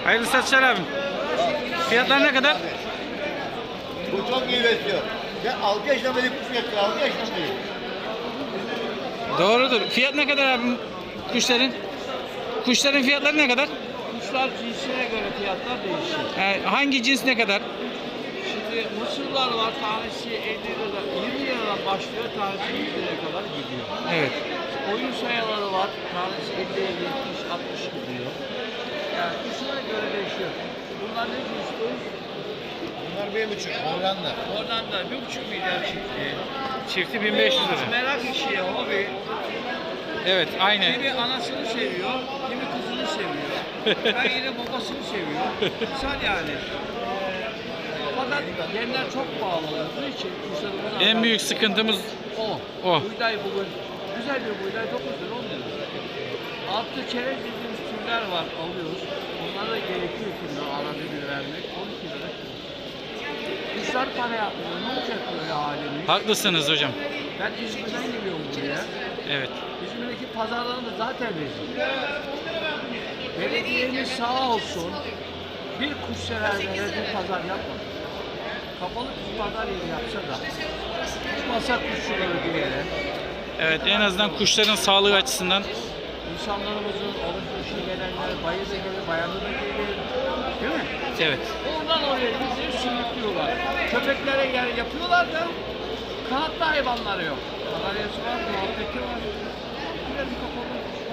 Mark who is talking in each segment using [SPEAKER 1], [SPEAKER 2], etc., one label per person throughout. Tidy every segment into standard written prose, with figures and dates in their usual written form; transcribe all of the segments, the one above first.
[SPEAKER 1] Hayırlı satışlar abim. Fiyatlar ne kadar?
[SPEAKER 2] Bu çok iyi besliyor. Ben 6 yaşından beri kuş besliyor. 6 yaşından beri.
[SPEAKER 1] Doğrudur. Fiyat ne kadar abim kuşların? Kuşların fiyatları ne kadar?
[SPEAKER 3] Kuşlar cinsine göre fiyatlar değişir.
[SPEAKER 1] Hangi cins ne kadar?
[SPEAKER 3] Şimdi mısırlar var, tanesi 50 lira, 20 liradan başlıyor, tanesi 100 liraya kadar gidiyor.
[SPEAKER 1] Evet.
[SPEAKER 3] Oyun sayaları var, tanesi 50, 70, 60 gidiyor. Yani kuşlara göre değişiyor. Bunlar ne cins?
[SPEAKER 2] Bunlar 1,5. Hollanda.
[SPEAKER 3] Oradan da 1,5 milyar çıktı.
[SPEAKER 1] Çifti 1500 lira.
[SPEAKER 3] Merak işi, hobi.
[SPEAKER 1] Evet, aynı.
[SPEAKER 3] Kimi anasını seviyor, kimi kızını seviyor. Ben yine babasını seviyor. Güzel yani. Fakat yemler çok pahalı olduğu için kuşlarımız
[SPEAKER 1] En büyük sıkıntımız
[SPEAKER 3] o.
[SPEAKER 1] o.
[SPEAKER 3] Buğday bugün güzel bir buğday 9 lira 10 lira. Artı çerez dediğimiz türler var alıyoruz. Onlara da gerekiyor şimdi arada bir vermek 12 lira. Kuşlar para yapmıyor. Ne olacak böyle halimiz?
[SPEAKER 1] Haklısınız hocam.
[SPEAKER 3] Ben İzmir'den geliyorum buraya.
[SPEAKER 1] Evet.
[SPEAKER 3] İzmir'deki pazarlarında zaten rezil. Belediyemiz sağ olsun bir kuş severlere bir pazar yapmadı. Kapalı bir pazar yeri yapsa da tutmasa kuşçuları bir yere.
[SPEAKER 1] Evet, en azından kuşların sağlığı açısından.
[SPEAKER 3] İnsanlarımızın alışverişe gelenler, bayırda gelir, bayanı da gelir. Değil mi?
[SPEAKER 1] Evet.
[SPEAKER 3] Oradan oraya bizleri sürüklüyorlar. Köpeklere yer yapıyorlar da kanatlı hayvanları yok. Kanaryası var, muhabbeti var. Biraz kapalı.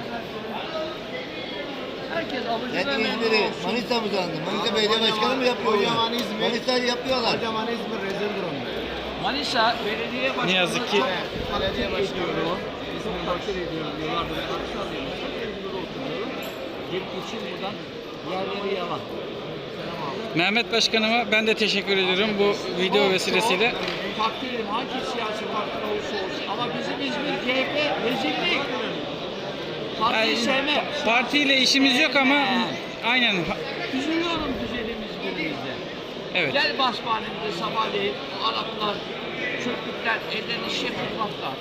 [SPEAKER 3] Herkes alıcı
[SPEAKER 2] Ben
[SPEAKER 3] ve memnun
[SPEAKER 2] İzmir'i,
[SPEAKER 3] olsun.
[SPEAKER 2] Manisa mı sandım? Manisa Belediye Başkanı mı yapıyor
[SPEAKER 4] Kocaman
[SPEAKER 2] bunu?
[SPEAKER 4] İzmir.
[SPEAKER 2] Manisa'yı yapıyorlar.
[SPEAKER 4] Kocaman İzmir rezildir onlar.
[SPEAKER 3] Manisa belediye başkanı
[SPEAKER 1] Ne yazık ki-
[SPEAKER 3] belediye başkanı İzmir'i takdir ediyorum diyorlardı. Ben akşam alıyorum. Çok evimde oturuyorum. Gelip için buradan yerleri yalan. Selam abi.
[SPEAKER 1] Mehmet Başkanıma ben de teşekkür ediyorum bu video vesilesiyle.
[SPEAKER 3] Takdir ederim. Hangi siyasi parti olursa olsun. Ama bizim İzmir CHP rezillik. Partiyi sevmem.
[SPEAKER 1] Partiyle işimiz yok ama aynen.
[SPEAKER 3] Üzülüyorum güzelim İzmir'imizde.
[SPEAKER 1] Evet.
[SPEAKER 3] Gel basmanemize sabahleyin o Araplar, Türkler ellerini iş yapmaklar.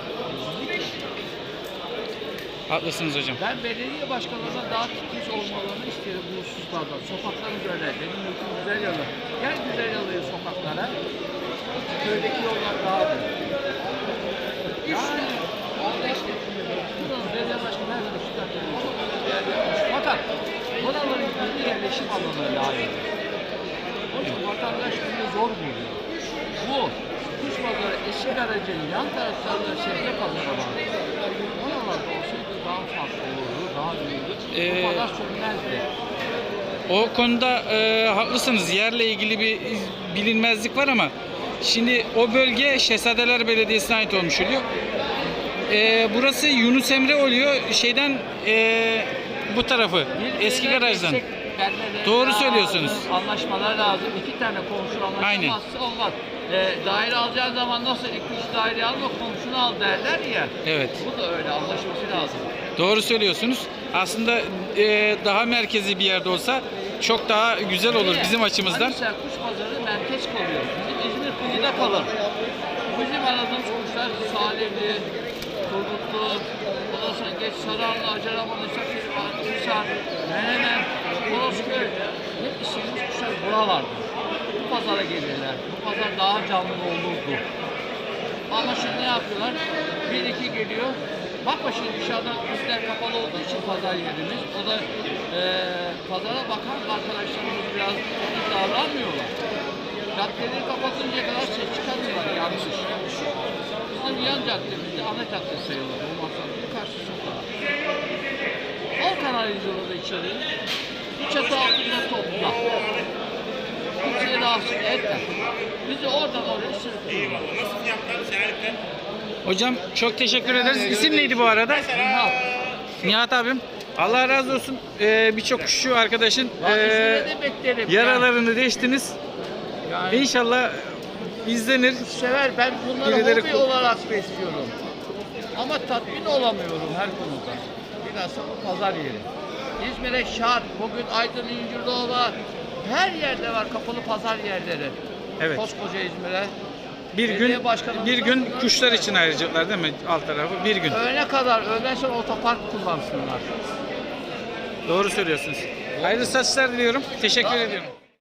[SPEAKER 1] Haklısınız hocam.
[SPEAKER 3] Ben belediye başkanlarına daha titiz olmalarını isterim bu hususlarda. Sokakları böyle, benim mülküm güzel yalı. Gel güzel yalıya sokaklara. Köydeki yollar daha büyük. Yani buranın belediye başkanı her türlü şikayet yapmış. Fakat buraların yeni yerleşim alanı lazım. Onun için vatandaş bunu zor buluyor. Bu kuş pazarı eski garajının yan taraflarında sebze pazarı var. Oralarda olsaydı daha farklı olurdu, daha büyürdü. Bu pazar sönmezdi.
[SPEAKER 1] O konuda haklısınız. Yerle ilgili bir bilinmezlik var ama şimdi o bölge Şehzadeler Belediyesi'ne ait olmuş oluyor. Burası Yunus Emre oluyor. Şeyden bu tarafı. Eski garajdan. Doğru söylüyorsunuz.
[SPEAKER 3] Anlaşmalar lazım. İki tane komşu anlaşamazsa olmaz. Daire alacağı zaman nasıl iki daire alma komşunu al derler ya.
[SPEAKER 1] Evet.
[SPEAKER 3] Bu da öyle anlaşması lazım.
[SPEAKER 1] Doğru söylüyorsunuz. Aslında daha merkezi bir yerde olsa çok daha güzel olur bizim açımızdan.
[SPEAKER 3] Mesela kuş pazarı merkez kalıyor. Bizim İzmir kıyıda kalır. Bizim aradığımız kuşlar Salihli, Turgutlu, ondan sonra geç Sararlı, Acaraman, Hisar, Menemen, Orosköy. Hep istediğimiz kuşlar buralardı. Bu pazara gelirler. Bu pazar daha canlı olurdu. Ama şimdi ne yapıyorlar? Bir iki geliyor. Bakma şimdi dışarıdan üstler kapalı olduğu için pazar yerimiz. O da pazara bakan arkadaşlarımız biraz iyi davranmıyorlar. Caddeleri kapatıncaya kadar ses çıkarmıyorlar yanlış. Bizim yan caddemizde ana cadde sayılır. Bu masanın karşı sokağı. Al kanalizyonu da içeri. Bir çatı altında topla. Kimseye rahatsız etme. Bizi oradan oraya sürüklüyorlar.
[SPEAKER 1] Hocam çok teşekkür ederiz. İsim neydi bu arada? Nihat abim. Allah razı olsun. Birçok kuşçu arkadaşın
[SPEAKER 3] İzmir'e de beklerim.
[SPEAKER 1] yaralarını deştiniz.
[SPEAKER 3] Yani
[SPEAKER 1] İnşallah izlenir.
[SPEAKER 3] sever. Ben bunları
[SPEAKER 1] Birileri
[SPEAKER 3] hobi olarak besliyorum. Ama tatmin olamıyorum her konuda. Bilhassa bu pazar yeri. İzmir'e şart. Bugün Aydın, İncirliova her yerde var kapalı pazar yerleri.
[SPEAKER 1] Evet.
[SPEAKER 3] Koskoca İzmir'e.
[SPEAKER 1] Bir
[SPEAKER 3] Belediye
[SPEAKER 1] gün
[SPEAKER 3] başkanımız
[SPEAKER 1] bir
[SPEAKER 3] da-
[SPEAKER 1] gün kuşlar için ayıracaklar değil mi? Alt tarafı bir gün.
[SPEAKER 3] Öğlene kadar, öğleden sonra otopark kullansınlar.
[SPEAKER 1] Doğru söylüyorsunuz. Hayırlı satışlar diliyorum. Teşekkür ediyorum.